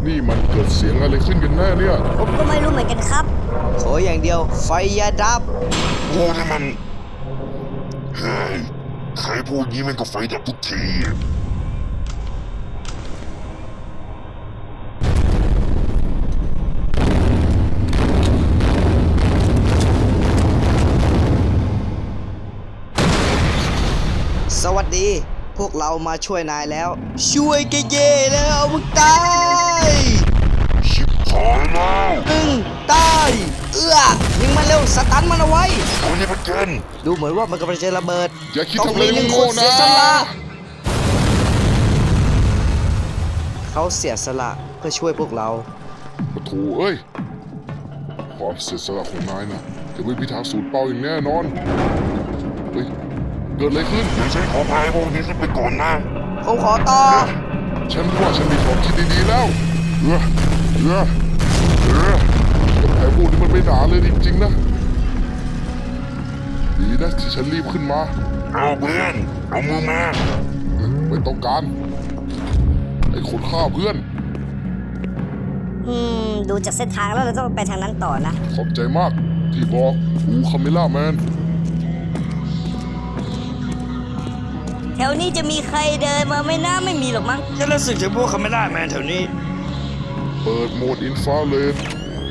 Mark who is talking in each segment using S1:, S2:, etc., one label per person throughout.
S1: นี่มันเกิดเสียงอะไรขึ้นกันแน่เนี่ย
S2: ผมก็ไม่รู้เหมือนกันครับ
S3: ขออย่างเดียวไฟอย่าดับ
S4: โอ้นี่มันเฮ้ยใครพูดงี้มันก็ไฟดับทุกทีอะ
S3: สวัสดี พวกเรามาช่วยนายแล้ว ช่วยแกเย่แล้วมึงตาย
S4: ชิบหายแล้ว
S3: ตายยิงมันเร็วสตันมันเอาไว้
S4: ตัวนี้มันเกิน
S3: ดูเหมือนว่ามันกำลังจะระเบิด
S1: อย่าคิด
S3: ต้อง
S1: ทำอะไร
S3: มีหนึ่ง
S1: โง่
S3: คน
S1: ๆนะ
S3: เสียสละเขาเสียสละเพื่อช่วยพวกเรา
S1: ปะโถเอ้ยความเสียสละของนายนะจะไม่มีทางสูญเปล่าอย่างแน่นอนเฮ้ยเกิดอะไรขึ้น
S4: เดี๋ยวฉันขอพายพวกนี้ขึ้นไปก่อนนะ
S3: ผมขอต่อ
S1: ฉันว่าฉันมีของคิดดีๆแล้วกับแผลพวกนี้มันไม่หนาเลยจริงๆนะดีนะที่ฉันรีบขึ้นมา
S4: เอาเพื่อนเอามือมา
S1: ไม่ต้องการไอ้คนฆ่าเพื่อน
S2: ดูจากเส้นทางแล้วเราต้องไปทางนั้นต่อนะ
S1: ขอบใจมากที่บอกอูคาเมล่าแมน
S2: แถวนี้จะมีใครเดินมาไม่น่าไม่มีหรอกมั้ง
S3: ฉันรู้สึกถึงพวกคาเมล่าแมนแถวนี้
S1: เปิดโหมดอินฟราเรด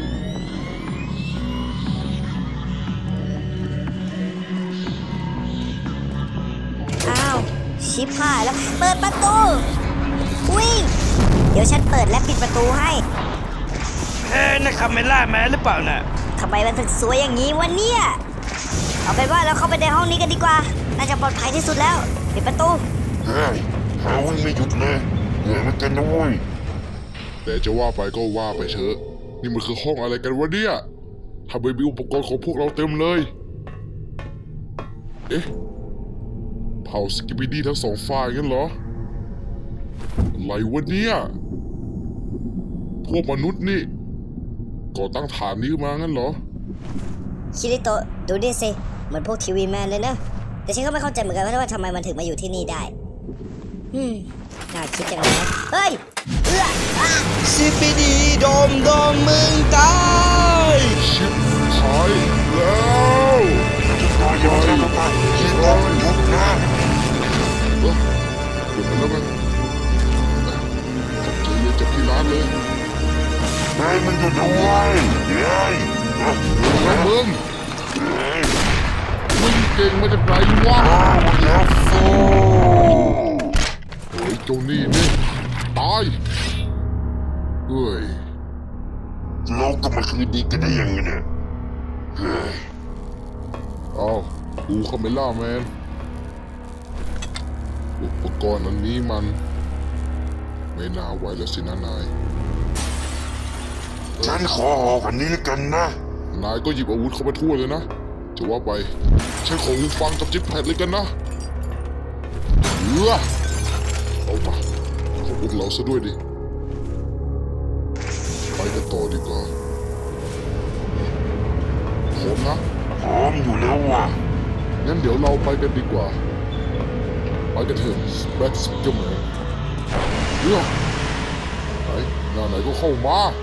S2: อ้าวชิบหายแล้วเปิดประตูวิ่งเดี๋ยวฉันเปิดและปิดประตูให้
S3: นั่นคาเมล่าแมนหรือเปล่าน่ะ
S2: ทำไมมันถึงสวยอย่างนี้วะเนี่ยเอาเป็นว่าเราเข้าไปในห้องนี้กันดีกว่าน่าจะปลอดภัยที่สุดแล้วปิดประตู
S4: เฮ้ยหาวิ่งไม่หยุดเลยเหนื่อยเหมือนกันนะเว้ย
S1: แต่จะว่าไปก็ว่าไปเถอะนี่มันคือห้องอะไรกันวะเนี่ยทำไมมีอุปกรณ์ของพวกเราเต็มเลย เอ๊ะเผาสกิปปิดี้ทั้งสองฝ่ายงั้นเหรออะไรวะเนี่ยพวกมนุษย์นี่ก่อตั้งฐานนี้ขึ้นมางั้นเหรอ
S2: ชิริโตะดูดิสิเหมือนพวกทีวีแมนเลยนะแต่ฉันก็ไม่เข้าใจเหมือนกันว่าทำไมมันถึงมาอยู่ที่นี่ได้น่าคิดจังเลยนะเฮ้ยอ่ะ
S3: ซิปิดีโดมมึงตาย
S1: ชิบหายแล้ว
S4: ตายยังจะตายยิงต้องหยุดนะ
S1: เอ้อหยุดไปแล้วกันขอบใจเย็นจากที่ร้านเลย
S4: เฮ้ยมันหยุดเอาไว้เฮ้ย
S1: แล้วมึงเก่งมาจากไหนวะ
S4: อ้าวแล้วโซ่
S1: เฮ้ยเจ้านี่นี่ตายเฮ้ย
S4: เราก็มาคืนดีกันได้ยังไงเนี่ยเฮ้ย
S1: อ้าวอูคาเมล่าแมนอุปกรณ์อันนี้มันไม่น่าไหวแล้วสินะนาย
S4: ฉันขอออกวันนี้แล้วกันนะ
S1: นายก็หยิบอาวุธเข้ามาทั่วเลยนะจะว่าไปฉันขอหูฟังกับจิ๊บแพดเลยกันนะเอามาของพวกเราซะด้วยดิไปกันต่อดีกว่าพร้อมนะ
S4: พร้อมอยู่แล้วว่ะ
S1: งั้นเดี๋ยวเราไปกันดีกว่าไปกันเถอะแบ็กสกิมเมอร์ไหนหน้าไหนก็เข้ามา